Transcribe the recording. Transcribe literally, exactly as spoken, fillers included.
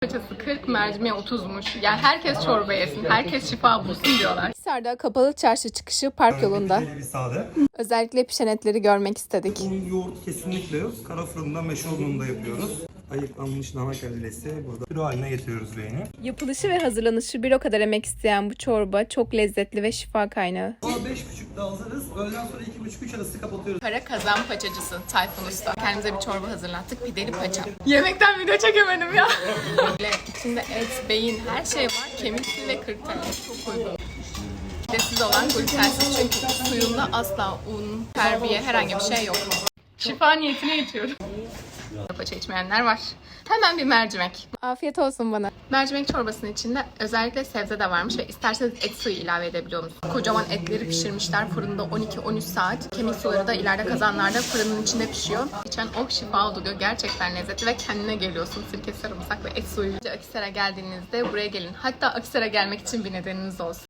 Paçası kırk, mercimeği otuzmuş. Yani herkes çorba yesin, herkes şifa bulsun diyorlar. Hisar'da kapalı çarşı çıkışı park yolunda. Güzel bir sade. Özellikle pişen etleri görmek istedik. Un, yoğurt kesinlikle yok. Kara fırında, meşe ununda yapıyoruz. Ayıklanmış dana kellesi burada püre haline getiriyoruz beyni. Yapılışı ve hazırlanışı bir o kadar emek isteyen bu çorba çok lezzetli ve şifa kaynağı. Ama beş buçukta hazırız. Öğleden sonra iki buçuk üç arası kapatıyoruz. Para kazan paçacısı Tayfun Usta. Kendimize bir çorba hazırlattık. Pideli paça. Yemekten video çekemedim ya. Böyle içinde et, beyin, her şey var. Kemikli ve kırk tane. Çok uygun. Pidesiz olan glutensiz çünkü suyunda asla un, terbiye, herhangi bir şey yok. Şifa niyetine içiyorum. Paça içmeyenler var. Hemen bir mercimek. Afiyet olsun bana. Mercimek çorbasının içinde özellikle sebze de varmış ve isterseniz et suyu ilave edebiliyor musunuz? Kocaman etleri pişirmişler fırında on iki on üç saat. Kemik suları da ileride kazanlarda fırının içinde pişiyor. İçen oh şifa oluyor. Gerçekten lezzetli ve kendine geliyorsun. Sirke, sarımsak ve et suyu. Akhisar'a geldiğinizde buraya gelin. Hatta Akhisar'a gelmek için bir nedeniniz olsun.